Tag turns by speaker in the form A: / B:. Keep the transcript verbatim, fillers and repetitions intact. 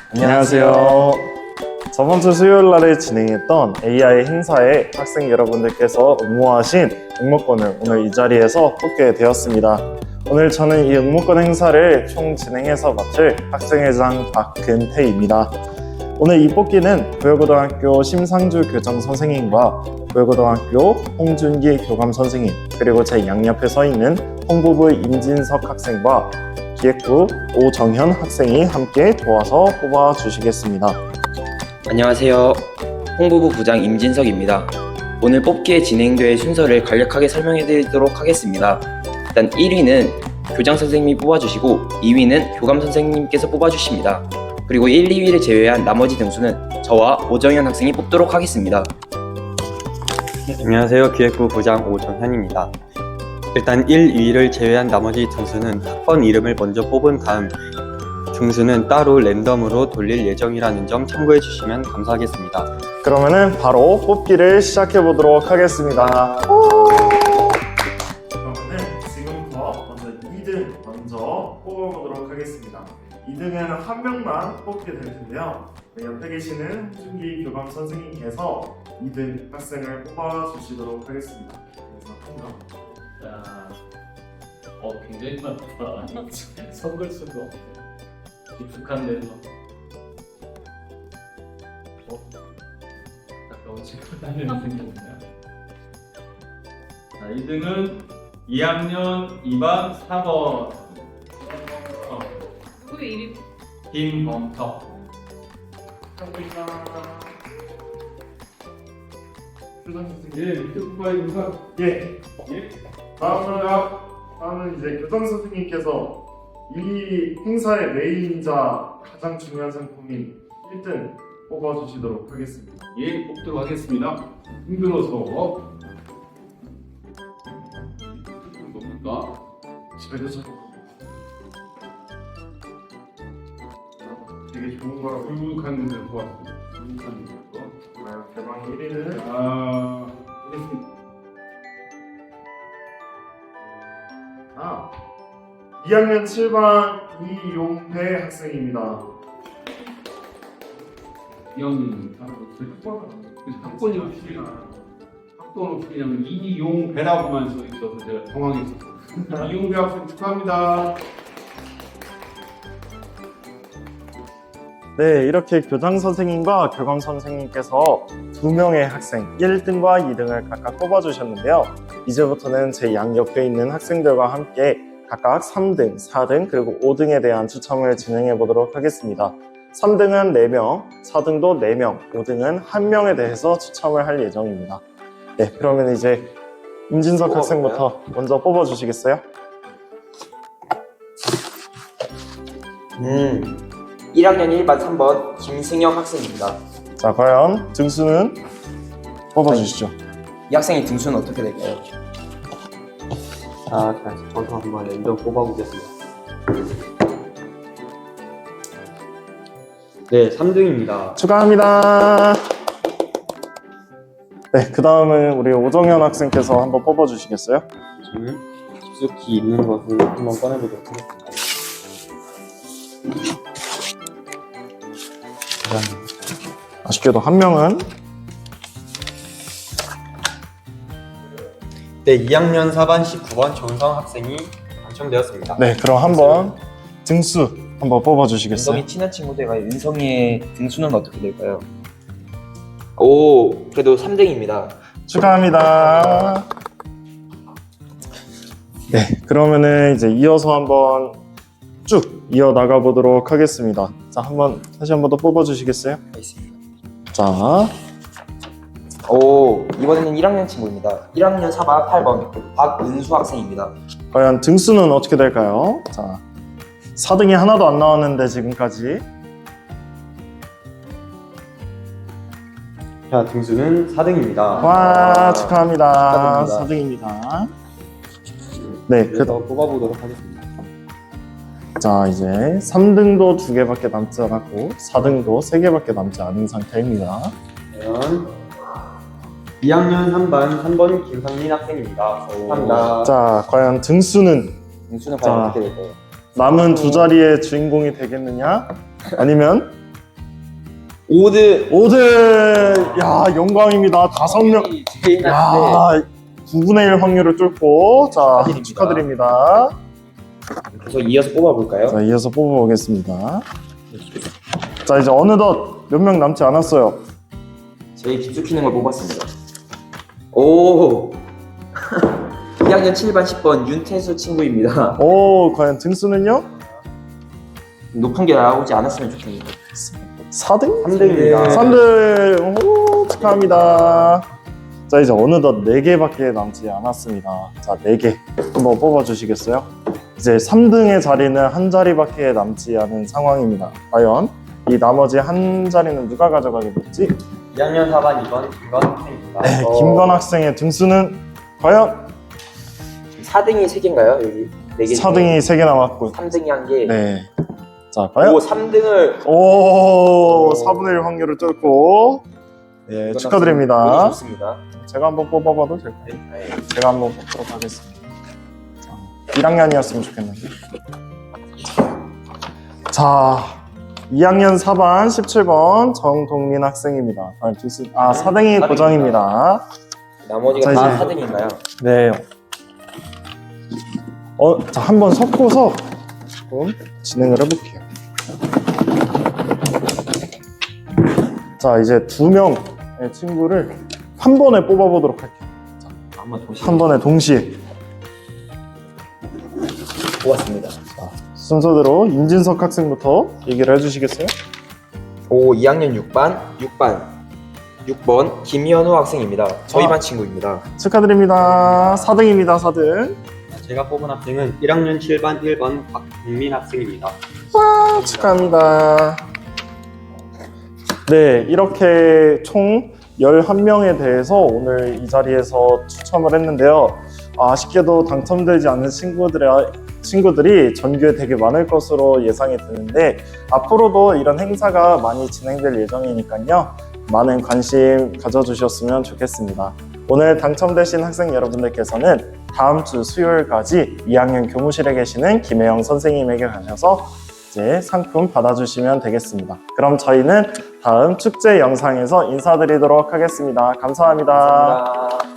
A: 안녕하세요. 저번 주 수요일 날에 진행했던 에이아이 행사에 학생 여러분들께서 응모하신 응모권을 오늘 이 자리에서 뽑게 되었습니다. 오늘 저는 이 응모권 행사를 총 진행해서 맡을 학생회장 박근태입니다. 오늘 이 뽑기는 부여고등학교 심상주 교장 선생님과 부여고등학교 홍준기 교감 선생님, 그리고 제 양옆에 서 있는 홍보부 임진석 학생과 기획부 오정현 학생이 함께 도와서 뽑아주시겠습니다.
B: 안녕하세요. 홍보부 부장 임진석입니다. 오늘 뽑기에 진행될 순서를 간략하게 설명해 드리도록 하겠습니다. 일단 일 위는 교장 선생님이 뽑아주시고 이 위는 교감 선생님께서 뽑아주십니다. 그리고 일, 이 위를 제외한 나머지 등수는 저와 오정현 학생이 뽑도록 하겠습니다.
C: 안녕하세요. 기획부 부장 오정현입니다. 일단 일, 이 위를 제외한 나머지 등수는 학번 이름을 먼저 뽑은 다음 등수는 따로 랜덤으로 돌릴 예정이라는 점 참고해 주시면 감사하겠습니다.
A: 그러면은 바로 뽑기를 시작해 보도록 하겠습니다. 그러면은 지금부터 먼저 이 등 먼저 뽑아보도록 하겠습니다. 이 등에는 한 명만 뽑게 될 텐데요. 네, 옆에 계시는 홍준기 교감 선생님께서 이 등 학생을 뽑아주시도록 하겠습니다. 그래서 한 명.
D: 자, 어 굉장히 많다. 섞을 수도 없고 깊숙한 데서. 어? 가까운 친구 다니는 생각이네요. 자, 이 등은 이 학년 이 반 사 번. 어,
E: 누구의 이름?
D: 김범석. 예, 밑에 후보입니다.
A: 예.
D: 예.
A: 다음은, 다음은 이제 교장 선생님께서 이 행사의 메인이자 가장 중요한 상품인 일 등 뽑아주시도록 하겠습니다.
D: 예, 뽑도록 하겠습니다. 힘들어서 뭡니까?
A: 집에도 저 되게 좋은 거라고.
D: 불룩한 분들 보았습니다. 불룩한 분들.
A: 아, 대망 일 위는
D: 아,
A: 아, 이 학년 칠 반 이용배 학생입니다.
D: 이형님, 학번이 없이 학번 없이 그냥 이용배라고만 써 있어서 제가 당황했었어요. 이용배 학생 축하합니다.
A: 네, 이렇게 교장 선생님과 교감 선생님께서 두 명의 학생 일 등과 이 등을 각각 뽑아주셨는데요. 이제부터는 제 양옆에 있는 학생들과 함께 각각 삼 등, 사 등, 그리고 오 등에 대한 추첨을 진행해 보도록 하겠습니다. 삼 등은 네 명, 사 등도 네 명, 오 등은 한 명에 대해서 추첨을 할 예정입니다. 네, 그러면 이제 임진석 학생부터 먼저 뽑아주시겠어요?
B: 음, 일 학년 일 반 삼 번 김승혁 학생입니다.
A: 자, 과연 등수는 뽑아주시죠.
B: 이 학생의 등수는 어떻게 될까요?
C: 자, 자, 저도 한번 랜덤 뽑아보겠습니다. 네, 삼 등입니다.
A: 축하합니다. 네, 그 다음은 우리 오정현 학생께서 한번 뽑아주시겠어요?
C: 저는 깊숙이 있는 것을 한번 꺼내보도록 하겠습니다.
A: 아쉽게도 한 명은
C: 네, 이 학년 사 반 십구 번 정성 학생이 당첨되었습니다.
A: 네, 그럼 한번 등수 한번 뽑아주시겠어요?
B: 은성이 친한 친구들과 은성이의 등수는 어떻게 될까요? 오, 그래도 삼 등입니다.
A: 축하합니다. 네, 그러면은 이제 이어서 한번 쭉 이어 나가 보도록 하겠습니다. 자, 한번 다시 한번 더 뽑아주시겠어요?
B: 알겠습니다.
A: 자,
B: 오, 이번에는 일 학년 친구입니다. 일 학년 사 반 팔 번 박은수 학생입니다.
A: 과연 등수는 어떻게 될까요? 자, 사 등이 하나도 안 나왔는데 지금까지.
C: 자, 등수는 사 등입니다.
A: 와, 축하합니다.
B: 축하드립니다.
A: 사 등입니다. 네, 그,
C: 그래서 뽑아보도록 하겠습니다.
A: 자, 이제 삼 등도 두 개밖에 남지 않았고 사 등도 세 개밖에 남지 않은 상태입니다.
C: 과연 이 학년 삼 반 삼 번 김상민 학생입니다.
B: 축하합니다.
A: 자, 과연 등수는
B: 등수는 과연
A: 자.
B: 어떻게 될까요?
A: 남은 두 자리의 주인공이 되겠느냐? 아니면
B: 오 등.
A: 오 등! 야, 영광입니다. 다섯 명.
B: 제일 낮은데
A: 야, 구분의 일 확률을 뚫고, 자,
B: 축하드립니다.
A: 축하드립니다.
B: 계속 이어서 뽑아볼까요?
A: 자, 이어서 뽑아보겠습니다. 자, 이제 어느덧 몇 명 남지 않았어요.
B: 제일 깊숙이는 걸 뽑았습니다. 오! 이 학년 칠 반 십 번 윤태수 친구입니다.
A: 오, 과연 등수는요?
B: 높은 게 나오지 않았으면 좋겠네요.
A: 사 등?
C: 삼 등입니다.
A: 삼 등! 오, 축하합니다. 자, 이제 어느덧 네 개밖에 남지 않았습니다. 자, 네 개. 한번 뽑아주시겠어요? 이제 삼 등의 자리는 한 자리밖에 남지 않은 상황입니다. 과연 이 나머지 한 자리는 누가 가져가게 될지?
C: 이 학년 사 반 이 번 김건 학생입니다.
A: 네,
B: 어.
A: 김건 학생의 등수는 과연
B: 사 등이 세 개인가요? 여기 네 개.
A: 사 등이 세 개 남았고,
B: 삼 등이 한 개.
A: 네. 자, 과연?
B: 오, 삼 등을
A: 오, 사분의 일 확률을 뚫고, 네, 축하드립니다.
B: 좋습니다.
A: 제가 한번 뽑아봐도 될까요?
B: 네.
A: 제가 한번 뽑도록 하겠습니다. 자, 일 학년이었으면 좋겠는데. 자, 이 학년 사 반 십칠 번 정동민 학생입니다. 아, 등수, 아 사 등이
C: 사 등입니다.
A: 고정입니다.
B: 나머지가
A: 자,
B: 다
A: 이제-
B: 사 등인가요?
A: 네. 어, 자, 한번 섞어서 조금 진행을 해볼게요. 자, 이제 두 명의 친구를 한 번에 뽑아보도록 할게요.
B: 한번 동시에
A: 한 번에 동시에.
B: 뽑았습니다.
A: 순서대로 임진석 학생부터 얘기를 해주시겠어요?
B: 오, 이 학년 육 반 육 반 육 번 김현우 학생입니다. 저희
A: 아.
B: 반 친구입니다.
A: 축하드립니다. 사 등입니다, 사 등.
C: 제가 뽑은 학생은 일 학년 칠 반 일 번 박국민 학생입니다.
A: 와, 축하합니다. 네, 이렇게 총 열한 명에 대해서 오늘 이 자리에서 추첨을 했는데요. 아쉽게도 당첨되지 않은 친구들의, 친구들이 전교에 되게 많을 것으로 예상이 드는데, 앞으로도 이런 행사가 많이 진행될 예정이니까요. 많은 관심 가져주셨으면 좋겠습니다. 오늘 당첨되신 학생 여러분들께서는 다음 주 수요일까지 이 학년 교무실에 계시는 김혜영 선생님에게 가셔서 이제 상품 받아주시면 되겠습니다. 그럼 저희는 다음 축제 영상에서 인사드리도록 하겠습니다. 감사합니다.
B: 감사합니다.